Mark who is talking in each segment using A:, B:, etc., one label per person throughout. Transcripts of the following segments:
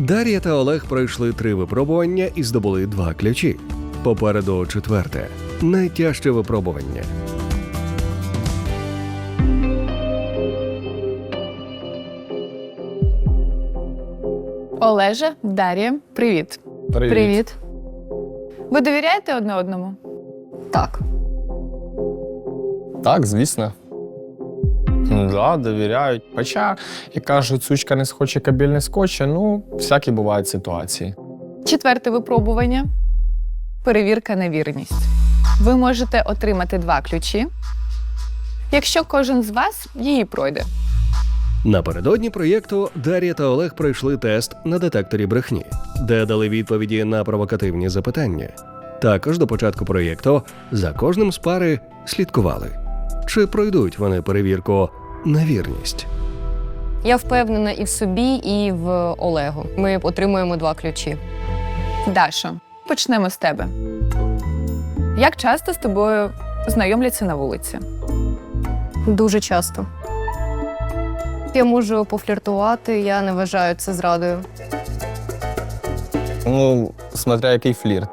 A: Дар'я та Олег пройшли 3 випробування і здобули 2 ключі. Попереду 4-те – найтяжче випробування.
B: Олеже, Дар'я, привіт.
C: Привіт.
B: Ви довіряєте одне одному?
C: Так. Так, звісно. Да, довіряють. Хоча, як кажуть, сучка не схоче, кабель не скоче, ну, всякі бувають ситуації.
B: 4-те випробування – перевірка на вірність. Ви можете отримати 2 ключі, якщо кожен з вас її пройде.
A: Напередодні проєкту Дар'я та Олег пройшли тест на детекторі брехні, де дали відповіді на провокативні запитання. Також до початку проєкту за кожним з пари слідкували. Чи пройдуть вони перевірку на вірність?
D: Я впевнена і в собі, і в Олегу. Ми отримуємо 2 ключі.
B: Дашо, почнемо з тебе. Як часто з тобою знайомляться на вулиці?
D: Дуже часто. Я можу пофліртувати, я не вважаю це зрадою.
C: Ну, смотря який флірт.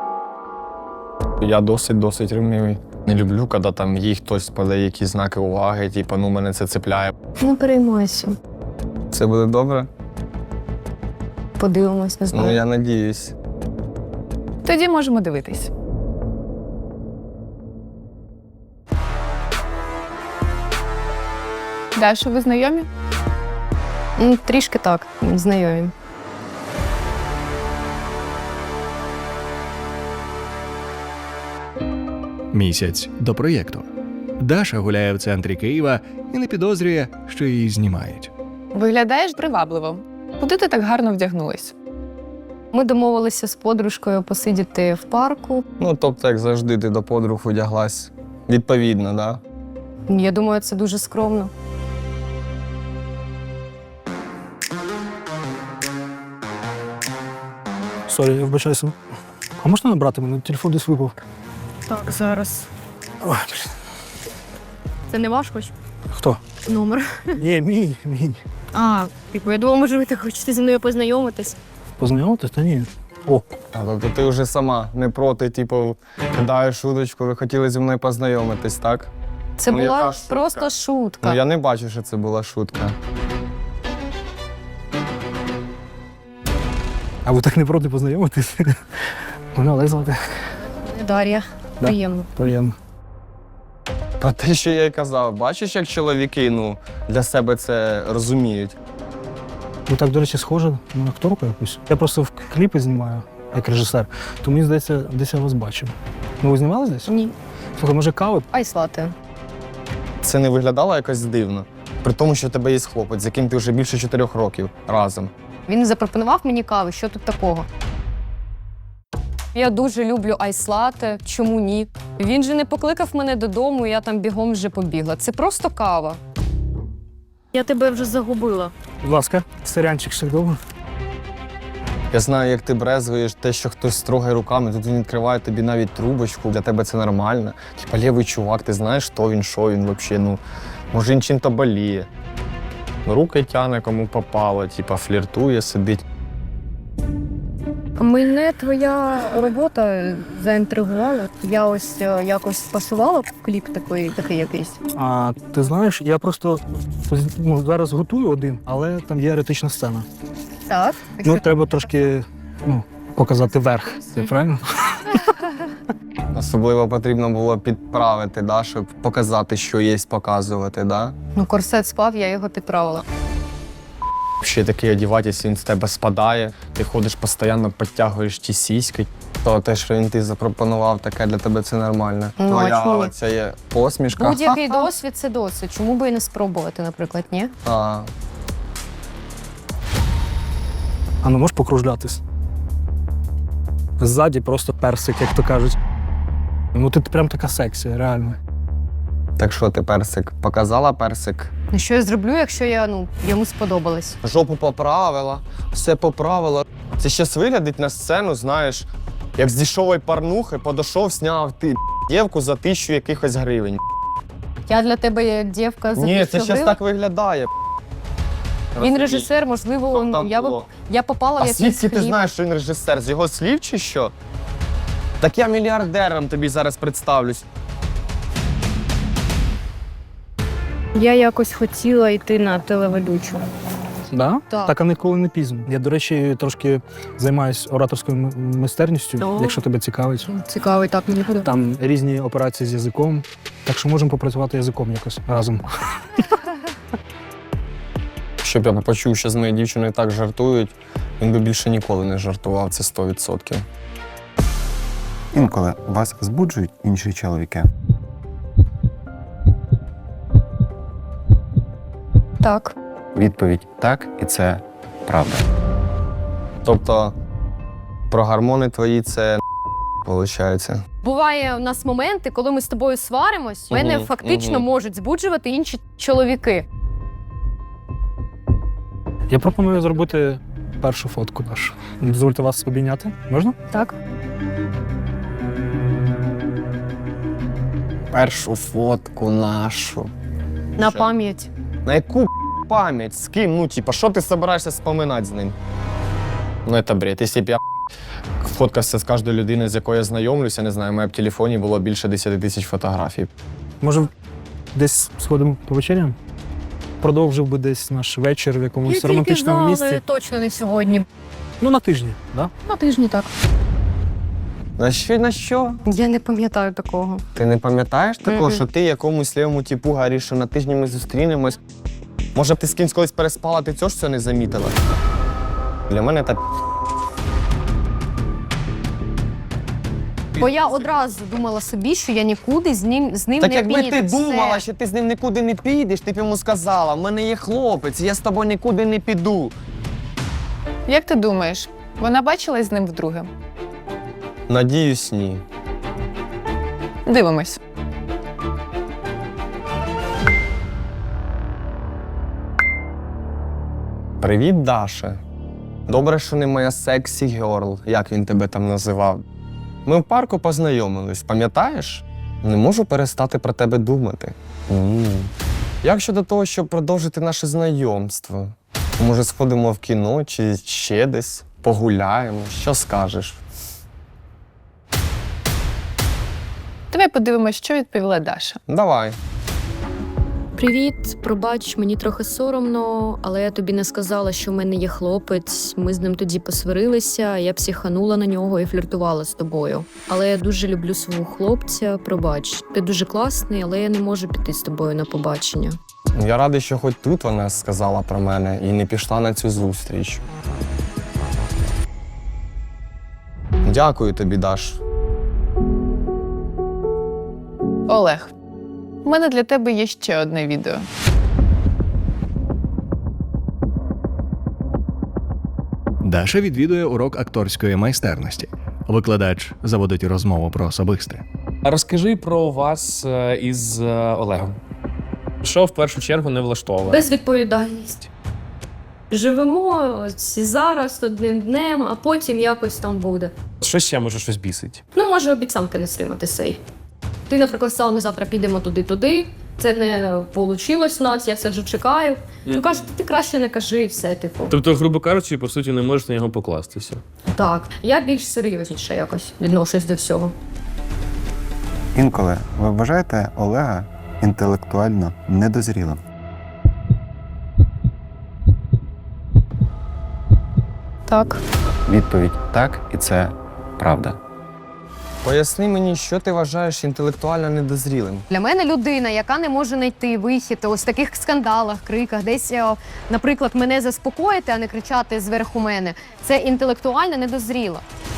C: Я досить ревнивий. Не люблю, коли там їй хтось подає якісь знаки уваги, типу, ну, мене це цепляє.
D: Не переймайся.
C: Це буде добре?
D: Подивимось, не знаю.
C: Ну, я надіюсь.
B: Тоді можемо дивитись. Дашо, ви знайомі?
D: Трішки так, знайомі.
A: Місяць до проєкту. Даша гуляє в центрі Києва і не підозрює, що її знімають.
B: Виглядаєш привабливо. Куди ти так гарно вдягнулась?
D: Ми домовилися з подружкою посидіти в парку.
C: Ну, тобто, як завжди, ти до подруг одяглась відповідно, да?
D: Я думаю, це дуже скромно.
E: Сорі, я вибачаюся. А можна набрати мене? Телефон десь випав.
F: Так, зараз.
E: Ой, блін.
F: Це не ваш хоч?
E: Хто?
F: Номер.
E: Ні, мій.
F: А, я думала, може, ви так хочете зі мною познайомитись.
E: Познайомитись? Та ні. О,
C: А, тобто ти вже сама не проти, типу, кидаєш шуточку, ви хотіли зі мною познайомитись, так?
D: Це
C: Ну, яка
D: була
C: шутка?
D: просто шутка.
C: Ну, я не бачу, що це була шутка.
E: а ви так не проти познайомитись? Мене Олег звати.
F: Дар'я.
E: Да.
F: Приємно.
E: Приємно.
C: Про те, що я й казав, бачиш, як чоловіки, ну, для себе це розуміють.
E: Ви так, до речі, схожі на акторку якусь. Я просто в кліпи знімаю, як режисер. То мені здається, десь я вас бачив. Ну, ви знімали десь?
D: Ні.
E: Слухай, може кави?
D: Айслати.
C: Це не виглядало якось дивно. При тому, що в тебе є хлопець, з яким ти вже більше 4 років разом.
D: Він запропонував мені кави, що тут такого? Я дуже люблю айслати, чому ні? Він же не покликав мене додому, я там бігом вже побігла. Це просто кава.
F: Я тебе вже загубила.
E: Будь ласка, сирянчик ще довго.
C: Я знаю, як ти брезгуєш те, що хтось строгає руками, тут він відкриває тобі навіть трубочку, для тебе це нормально. Типа лівий чувак, ти знаєш, що він взагалі, ну, може він чим-то боліє. Руки тяне, кому попало, типа фліртує, сидить.
D: Мене твоя робота заінтригувала. Я ось якось пасувала в кліп такий якийсь.
E: А ти знаєш, я просто зараз готую один, але там є еротична сцена.
D: Так.
E: Ну, треба трошки показати верх. Це правильно?
C: Особливо потрібно було підправити, да, щоб показати, що є показувати. Да?
D: Ну, корсет спав, я його підправила.
C: Ще такий одіватись, він з тебе спадає, ти ходиш постійно, підтягуєш ті сіськи. То те, що він ти запропонував, таке для тебе це нормально.
D: Ну,
C: Твоя
D: а чому?
C: оця є посмішка.
D: Будь-який досвід – це досвід. Чому би і не спробувати, наприклад, ні?
C: А,
E: А ну можеш покружлятись? Ззаді просто персик, як то кажуть. Ну ти прям така сексі, реально.
C: так що ти персик? Показала персик?
D: Ну, що я зроблю, якщо я, йому сподобалась?
C: Жопу поправила, все поправила. Це щас виглядить на сцену, знаєш, як з дешевої порнухи подошов, сняв ти дівку за 1000 якихось гривень.
D: Я для тебе є дівка за
C: Ні, це
D: 1000
C: щас
D: гривень.
C: так виглядає.
D: Він режисер, можливо,
C: Що там
D: я
C: було?
D: б Я попала в
C: А
D: якийсь
C: звідки ти
D: кліп.
C: знаєш, що він режисер? З його слів чи що? Так я мільярдером тобі зараз представлюсь.
F: Я якось хотіла йти на телеведучу.
E: Да?
F: Так.
E: Так, а ніколи не пізно. Я, до речі, трошки займаюся ораторською майстерністю,
F: О.
E: якщо тебе цікавить.
F: Цікавий, так мені подобається.
E: Там різні операції з язиком, так що можемо попрацювати язиком якось разом.
C: Щоб я почув, що з моєю дівчиною так жартують, він би більше ніколи не жартував, це 100%.
G: Інколи вас збуджують інші чоловіки.
D: Так.
G: Відповідь так, і це правда.
C: Тобто про гормони твої це виходить.
D: Буває у нас моменти, коли ми з тобою сваримось, мене
C: Мгм,
D: фактично
C: мгм.
D: можуть збуджувати інші чоловіки.
E: Я пропоную зробити першу фотку нашу. Дозвольте вас обійняти. Можна?
D: Так.
C: Першу фотку нашу.
D: На
C: Що?
D: пам'ять.
C: На яку пам'ять? З ким? Ну, типа, що ти збираєшся споминати з ним? Ну, це бред. Якщо б я фоткався з кожною людиною, з якою я знайомлюся, не знаю, у мене в телефоні було більше 10 тисяч фотографій.
E: Може, десь сходимо по вечерям? Продовжив би десь наш вечір в якомусь романтичному місці.
F: Точно не сьогодні.
E: Ну, на тижні, да?
F: На тижні так.
C: На що? На що?
D: Я не пам'ятаю такого.
C: Ти не пам'ятаєш такого,
D: Мгм.
C: що ти якомусь лівому типу говориш, що на тижні ми зустрінемось? Може б ти з кимсь колись переспала, ти цього ж це не замітила? Для мене це
D: Бо я одразу думала собі, що я нікуди з ним
C: так
D: не
C: якби
D: піду.
C: ти
D: Все.
C: думала, що ти з ним нікуди не підеш, ти б йому сказала, в мене є хлопець, я з тобою нікуди не піду.
B: Як ти думаєш, вона бачилась з ним вдруге?
C: Надіюсь, ні.
B: Дивимось.
C: Привіт, Даша. Добре, що не моя сексі герл, як він тебе там називав. Ми в парку познайомились, пам'ятаєш? Не можу перестати про тебе думати. Як щодо того, щоб продовжити наше знайомство? Може, сходимо в кіно чи ще десь, погуляємо? Що скажеш?
B: Давай подивимось, що відповіла Даша.
C: Давай.
H: Привіт, пробач, мені трохи соромно, але я тобі не сказала, що в мене є хлопець. Ми з ним тоді посварилися, я психанула на нього і фліртувала з тобою. Але я дуже люблю свого хлопця. Пробач, ти дуже класний, але я не можу піти з тобою на побачення.
C: Я радий, що хоч тут вона сказала про мене і не пішла на цю зустріч. Дякую тобі, Даш.
B: Олег, у мене для тебе є ще одне відео.
A: Даша відвідує урок акторської майстерності. Викладач заводить розмову про особисте.
I: Розкажи про вас із Олегом. Що в першу чергу не влаштовує?
H: Безвідповідальність. Живемо ось і зараз одним днем, а потім якось там буде.
I: Що ще може щось бісить?
H: Ну, може, обіцянки не стримати сей. Ти, наприклад, сказала, ми завтра підемо туди-туди. Це не вийшло в нас, я все вже чекаю. Ну, кажуть, ти краще не кажи, і все, типу.
I: Тобто, грубо кажучи, по суті, не можеш на нього покластися.
H: Так, я більш серйозніше якось відношусь до всього.
G: Інколи ви вважаєте Олега інтелектуально недозрілим.
D: Так.
G: Відповідь так, і це правда.
C: Поясни мені, що ти вважаєш інтелектуально недозрілим?
D: Для мене людина, яка не може знайти вихід ось в таких скандалах, криках, десь, наприклад, мене заспокоїти, а не кричати зверху мене, це інтелектуально недозріло.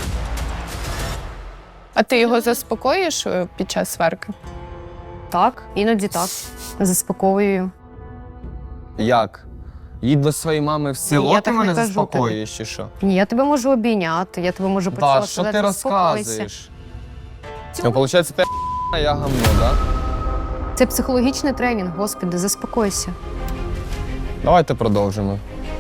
B: А ти його заспокоїш під час сварки?
D: Так, іноді так. Заспокоюю.
C: Як? Їдь до своєї мами в село,
D: я
C: ти
D: так не
C: мене
D: кажу
C: заспокоюєш чи що?
D: Ні, я тебе можу обійняти, я тебе можу поцілувати.
C: Да, що ти
D: сказати, «Заспокойся».
C: розказуєш? Ну, виходить, ти а я гамно, да?
D: Це психологічний тренінг, господи, заспокойся.
C: Давайте продовжимо.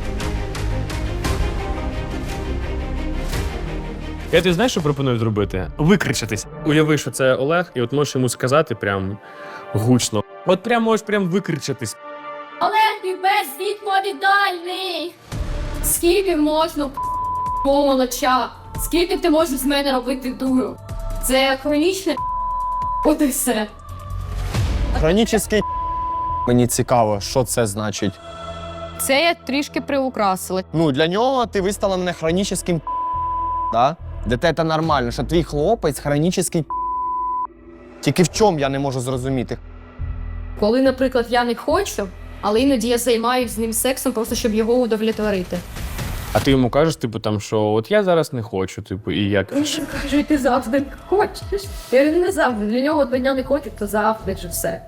I: Я ти знаєш, що пропоную зробити? Викричатись. Уяви, що це Олег, і от можеш йому сказати прям гучно. От прям можеш прям викричатись.
H: Олег, ти безвідповідальний!
F: Скільки можна помолоча? Скільки ти можеш з мене робити дуру? Це хронічне от і все.
C: Хронічний мені цікаво, що це значить.
D: Це я трішки приукрасила.
C: Ну, для нього ти виставила мене хронічним да? Для тебе це нормально, що твій хлопець хронічний Тільки в чому я не можу зрозуміти.
F: Коли, наприклад, я не хочу, але іноді я займаюся з ним сексом, просто щоб його удовлетворити.
I: А ти йому кажеш, типу, там, що от я зараз не хочу, типу, і як?
F: Він же каже, ти завжди хочеш. Я не завжди. Для нього одного дня не хочу, то завжди ж все.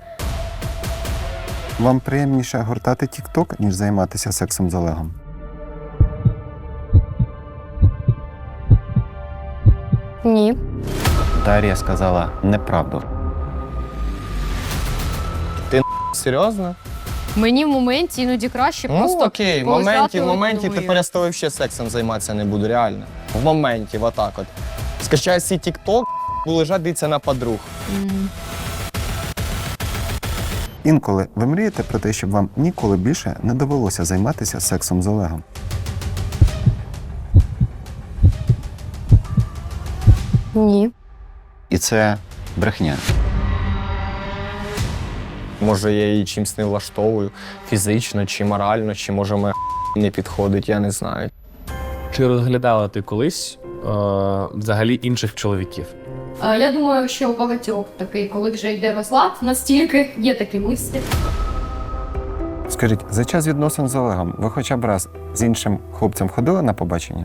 G: Вам приємніше гортати TikTok, ніж займатися сексом з Олегом?
D: Ні.
G: Дар'я сказала неправду.
C: Серйозно?
D: Мені в моменті іноді краще
C: Ну
D: просто
C: окей, в
D: полежати
C: моменті
D: одною.
C: тепер я з тобою взагалі сексом займатися не буду, реально. В моменті, отак от. Скачаю свій TikTok, буду лежати, дивитися на подруг.
G: Інколи ви мрієте про те, щоб вам ніколи більше не довелося займатися сексом з Олегом?
D: Ні.
G: І це брехня.
C: Може, я її чимось не влаштовую, фізично чи морально, чи може мене не підходить, я не знаю.
I: Чи розглядала ти колись взагалі інших чоловіків?
F: Я думаю, що у багатьох такий, коли вже йде розлад, настільки є такі мислі.
G: Скажіть, за час відносин з Олегом ви хоча б раз з іншим хлопцем ходили на побачення?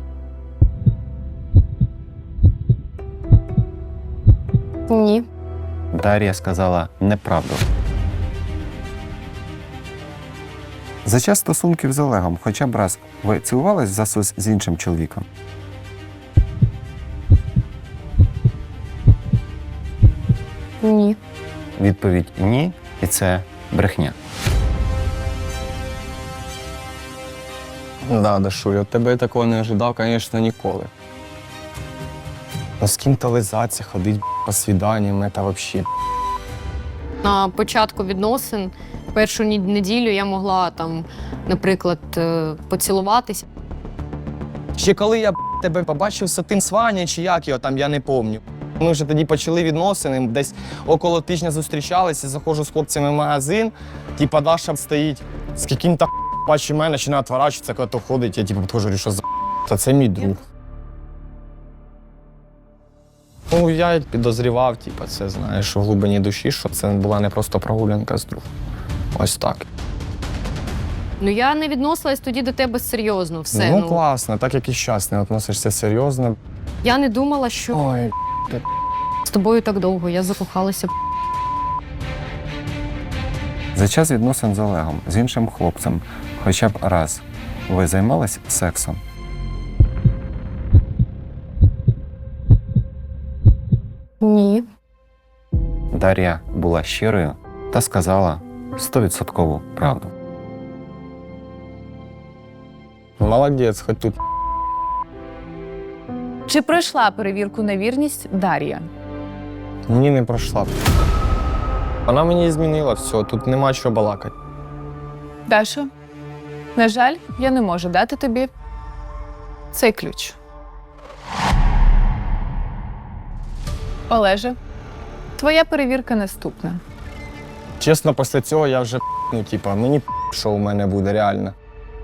D: Ні.
G: Дар'я сказала неправду. За час стосунків з Олегом хоча б раз ви цілувались в засос з іншим чоловіком?
D: Ні.
G: Відповідь ні, і це брехня.
C: Да, Дашуль, от тебе я такого не ожидав, звісно, ніколи. Ну з ким-то лизатися, ходить по свіданням, це взагалі.
D: На початку відносин першу неділю я могла там, наприклад, поцілуватися.
C: Ще коли я тебе побачив з тим Сваня, чи як його там, я не пам'ятаю. Ми вже тоді почали відносини, десь около тижня зустрічалися, заходжу з хлопцями в магазин, типа Даша стоїть з яким-то бачу мене, починає відворачуватися, коли то ходить, я типу підходжу, говорю, що за та це мій друг. Ну, я підозрівав, типу, це, знаєш, в глибині душі, що це була не просто прогулянка з другом. Ось так.
D: Ну я не відносилась тоді до тебе серйозно. Все.
C: Ну, класно, так як і зараз не відносишся серйозно.
D: Я не думала, що
C: Ой,
D: з тобою так довго. Я закохалася.
G: За час відносин з Олегом з іншим хлопцем хоча б раз ви займались сексом?
D: Ні.
G: Дар'я була щирою та сказала 100% правду.
C: молодець, хоч тут.
B: Чи пройшла перевірку на вірність Дар'я?
C: Ні, не пройшла. Вона мені змінила все, тут нема чого балакати.
B: Дашо, на жаль, я не можу дати тобі цей ключ. Олеже, твоя перевірка наступна.
C: Чесно, після цього я вже, ну, типа, мені що у мене буде, реально.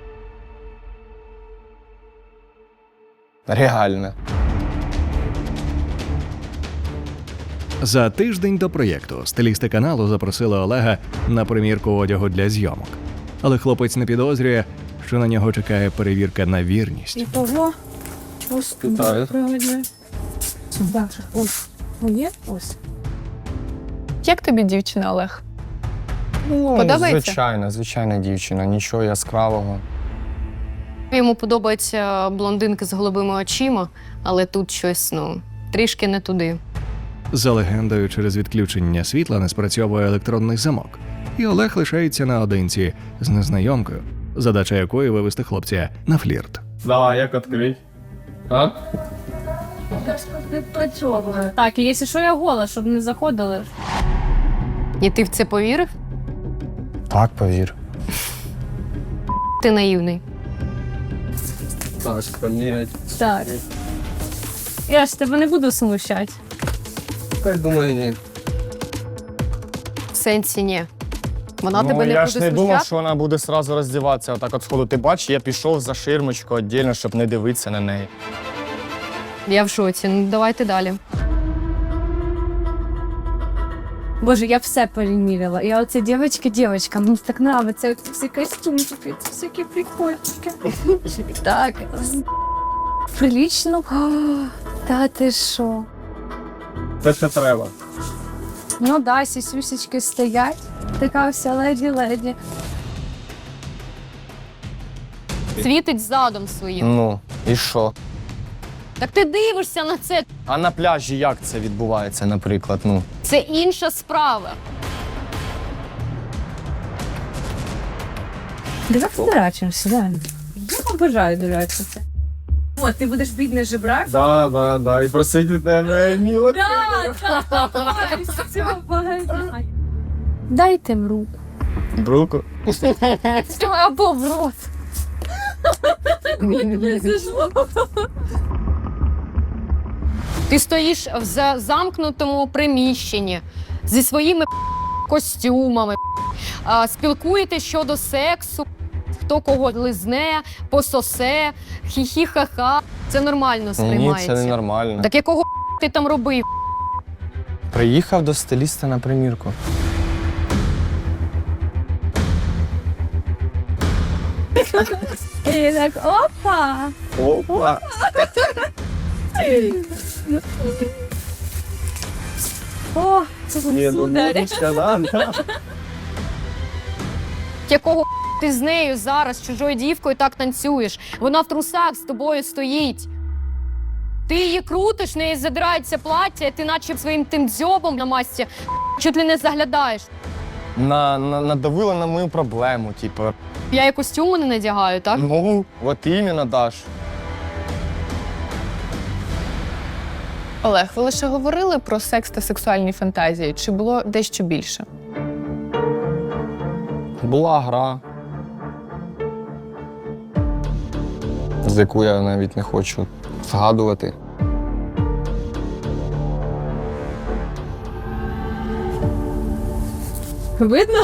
C: Реально.
A: За тиждень до проєкту стилісти каналу запросили Олега на примірку одягу для зйомок. Але хлопець не підозрює, що на нього чекає перевірка на вірність.
F: Того.
C: Вітаю.
F: Ось.
B: Як тобі дівчина, Олег?
C: Ну,
B: Подобається?
C: звичайна дівчина, нічого яскравого.
D: Йому подобаються блондинки з голубими очима, але тут щось, ну, трішки не туди.
A: За легендою, через відключення світла не спрацьовує електронний замок, і Олег лишається наодинці з незнайомкою, задача якої вивести хлопця на флірт.
C: Давай, як відкрить? А?
F: Так, і якщо що, я гола, щоб не заходили.
D: І ти в це повірив?
C: Так, повір.
D: Ти наївний.
C: Так, помірять.
D: Так. Я ж тебе не буду смущати.
C: Так, думаю, ні.
D: В сенсі ні. Вона тебе
C: Ну,
D: не
C: я
D: буде
C: ж не думав,
D: смущати?
C: що вона буде сразу роздіватися. Отак от сходу. Ти бачиш, я пішов за ширмочку віддільно, щоб не дивитися на неї.
D: Я в шоці. Ну, давайте далі. Боже, я все переміряла. Я оце дівчинка, мені так подобається. Оці всі костюмчики, ці всякі прикольчики. Так. Прилічно. О, та ти що?
C: Це ще треба.
D: Ну да, сісюсечки стоять. Така вся леді-леді. Світить задом своїм.
C: Ну, і що?
D: Так ти дивишся на це.
C: А на пляжі як це відбувається, наприклад? Ну,
D: Це інша справа. Давай подурачимося, да. Я обожаю дурачитися. О, ти будеш бідний жебрак?
C: да, і просити тебе, міло.
D: Дайте в руку.
C: Бруку.
D: Або в рот. Ти стоїш в замкнутому приміщенні зі своїми костюмами, спілкуєтесь щодо сексу, хто кого лизне, пососе, хі-хі-ха-ха. Це нормально
C: Ні,
D: сприймається.
C: це не нормально.
D: Так якого ти там робив?
C: Приїхав до стиліста на примірку.
D: І так, опа!
C: Опа!
D: О, це
C: Ні, ну музичка, да.
D: Якого ти з нею зараз, з чужою дівкою, так танцюєш? Вона в трусах з тобою стоїть. Ти її крутиш, в неї задирається плаття, і ти наче своїм тим дзьобом на масці чуть ли не заглядаєш.
C: Надавила на мою проблему, типу.
D: Я і костюми не надягаю, так?
C: Ну, от іменно, Даш.
B: Олег, ви лише говорили про секс та сексуальні фантазії, чи було дещо більше?
C: Була гра, з яку я навіть не хочу згадувати.
D: Видно?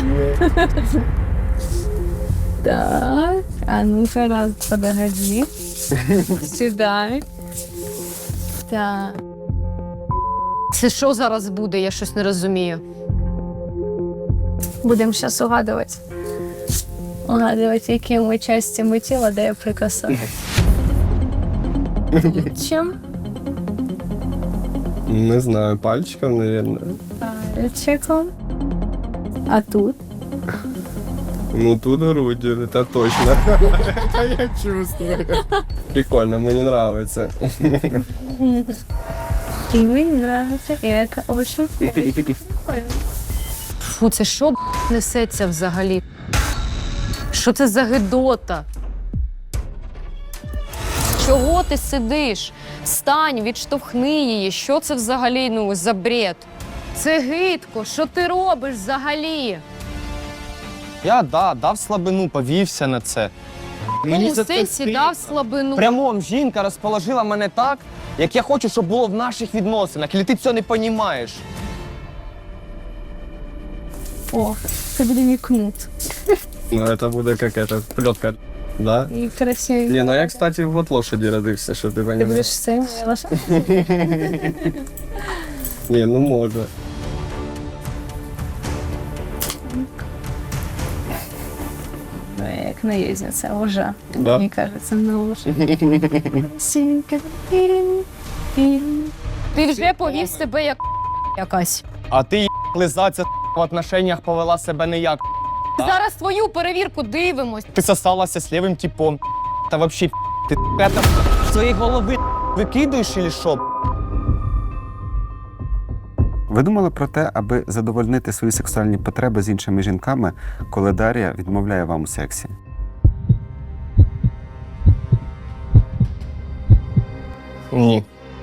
D: Так, а ну-ка раз, подогоди. Сідай. Так. Це що зараз буде? Я щось не розумію. Будемо зараз угадувати. Угадувати, якими частями тіла, де я прикасаюсь. Чим?
C: Не знаю, пальчиком, мабуть.
D: Пальчиком. А тут?
C: Ну тут грудь, це точно. Я чувствую. Прикольно, мені подобається.
D: І мені подобається, і це дуже Фу, це що несеться взагалі? Що це за гидота? Чого ти сидиш? Встань, відштовхни її. Що це взагалі, за бред? Це гидко. Що ти робиш взагалі?
C: Я дав слабину, повівся на це.
D: Мені в сенсі дав слабину.
C: Прямом жінка розположила мене так, як я хочу, щоб було в наших відносинах. І ти цього не розумієш.
D: О, це буде мій кнут.
C: Ну, це буде як плетка, да?
D: І красивий.
C: Ні, ну я, кстати, в год лошаді родився, що ти
D: Ти
C: розумієш.
D: будеш цим лошадь?
C: Ні, ну може.
D: Ну, я як наїзниця, уже.
C: Да?
D: Мені кажеться, на лошадь. Ти вже повів себе як якась.
C: А ти лизаться в отношеннях повела себе не як.
D: Зараз твою перевірку дивимось.
C: Ти сосалася з лівим типом. Та вообще ти это в своїй голови викидуєш чи що?
G: Ви думали про те, аби задовольнити свої сексуальні потреби з іншими жінками, коли Дар'я відмовляє вам у сексі?
C: Ні.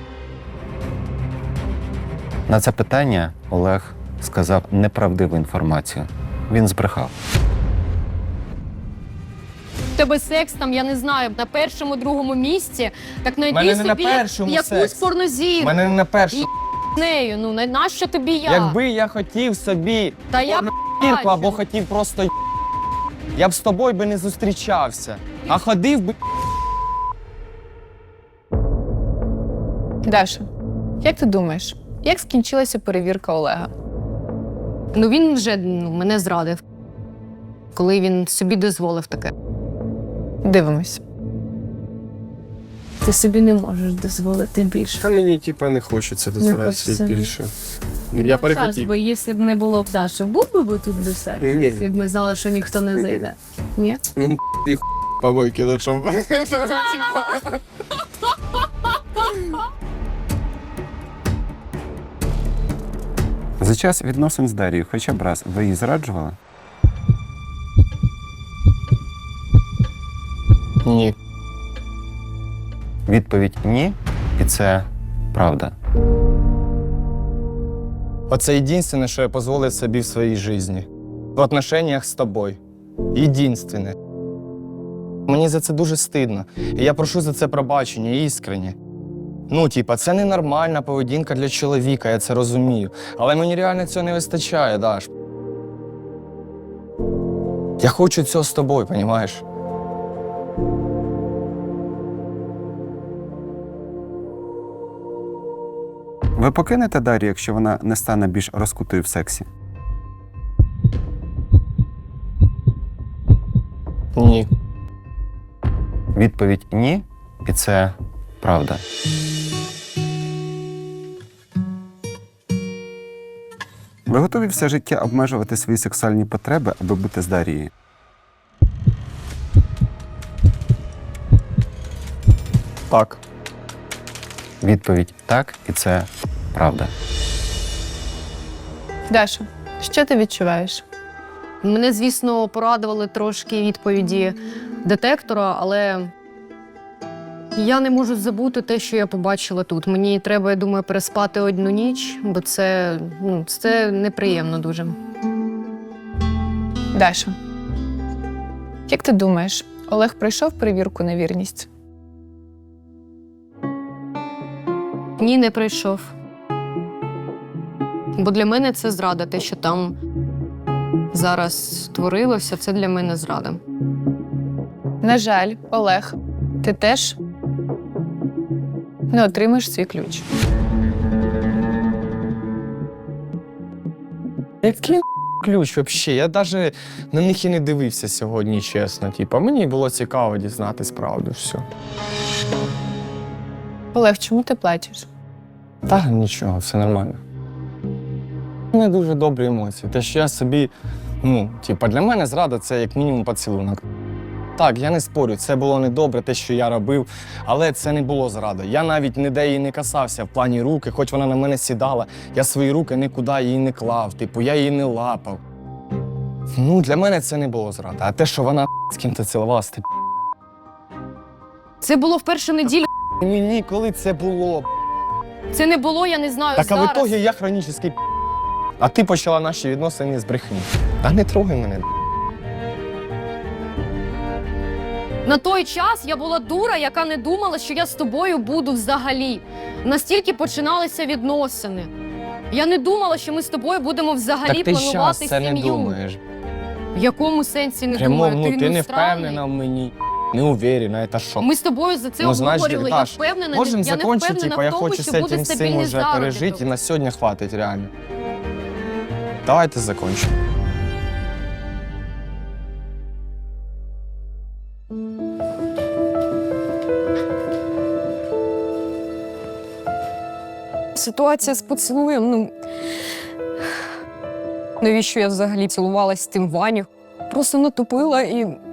G: На це питання Олег сказав неправдиву інформацію. Він збрехав.
D: В тебе секс там, я не знаю, на першому, другому місці, так знайди
C: Мене не на
D: собі
C: першому
D: якусь
C: секс. У
D: порнозірку.
C: мене не на першому.
D: З нею, ну нащо тобі я?
C: Якби я хотів собі
D: Та я
C: зірку або хотів просто я б з тобою би не зустрічався, а ходив би.
B: Даша, як ти думаєш, як скінчилася перевірка Олега?
D: Ну він вже мене зрадив, коли він собі дозволив таке.
B: Дивимось.
F: Ти собі не можеш дозволити більше.
J: Та мені не хочеться дозволяти
F: хочеться.
J: більше. Я перехотів.
F: Бо якщо б не було б Даші, був би тут десерт?
J: Ні.
F: Якщо б ми знали, що ніхто не зайде. Ні?
J: Помойки на чому.
G: За час відносин з Дарією хоча б раз ви її зраджували?
C: Ні.
G: Відповідь ні, і це правда.
C: Оце єдине, що я дозволив собі в своїй житті. В отношеннях з тобою. Єдине. Мені за це дуже стидно. І я прошу за це пробачення, іскренне. Ну, це ненормальна поведінка для чоловіка, я це розумію. Але мені реально цього не вистачає, Даш. Я хочу цього з тобою, розумієш?
G: Ви покинете Дар'ю, якщо вона не стане більш розкутою в сексі?
C: Ні.
G: Відповідь ні, і це правда. Ви готові все життя обмежувати свої сексуальні потреби, аби бути з Дарією?
C: Так.
G: Відповідь так, і це правда.
B: Даша, що ти відчуваєш?
D: Мене, звісно, порадували трошки відповіді детектора, але я не можу забути те, що я побачила тут. Мені треба, я думаю, переспати одну ніч, бо це неприємно дуже.
B: Даша, як ти думаєш, Олег пройшов перевірку на вірність?
D: Ні, не прийшов. Бо для мене це зрада. Те, що там зараз творилося, це для мене зрада.
B: На жаль, Олег, ти теж не отримаєш свій ключ.
C: Який ключ взагалі? Я навіть на них і не дивився сьогодні, чесно. Мені було цікаво дізнатись правду, все.
B: Олег, чому ти плачеш?
C: Та нічого, все нормально. У мене дуже добрі емоції. Те, що я собі, для мене зрада це як мінімум поцілунок. Так, я не спорю, це було недобре, те, що я робив, але це не було зрада. Я навіть ніде її не касався в плані руки, хоч вона на мене сідала, я свої руки нікуди її не клав, я її не лапав. Для мене це не було зрада. А те, що вона з ким-то цілувалася,
D: Це було в першу неділю.
C: мені коли це було?
D: Це не було, я не знаю,
C: Так, а в
D: зараз.
C: ітогі я хронічний. А ти почала наші відносини з брехні. Та не трогай мене.
D: На той час я була дура, яка не думала, що я з тобою буду взагалі. Настільки починалися відносини. Я не думала, що ми з тобою будемо взагалі
C: Так ти щас
D: планувати
C: це не
D: сім'ю.
C: думаєш.
D: В якому сенсі не
C: Прямо,
D: думаю?
C: ти не
D: странний.
C: впевнена в мені, не уверена, це що?
D: Ми з тобою за це
C: Значить,
D: обговорювали. Я
C: Даш,
D: впевнена,
C: можемо
D: я не
C: закончити,
D: впевнена
C: я
D: в тому,
C: хочу
D: що
C: з
D: буде
C: цим всім
D: стабільний
C: уже пережити, і
D: заробіток.
C: на сьогодні хватить реально. Давайте закончимо.
D: Ситуація з поцілуєм, навіщо я взагалі цілувалась з тим Ваню? Просто натупила і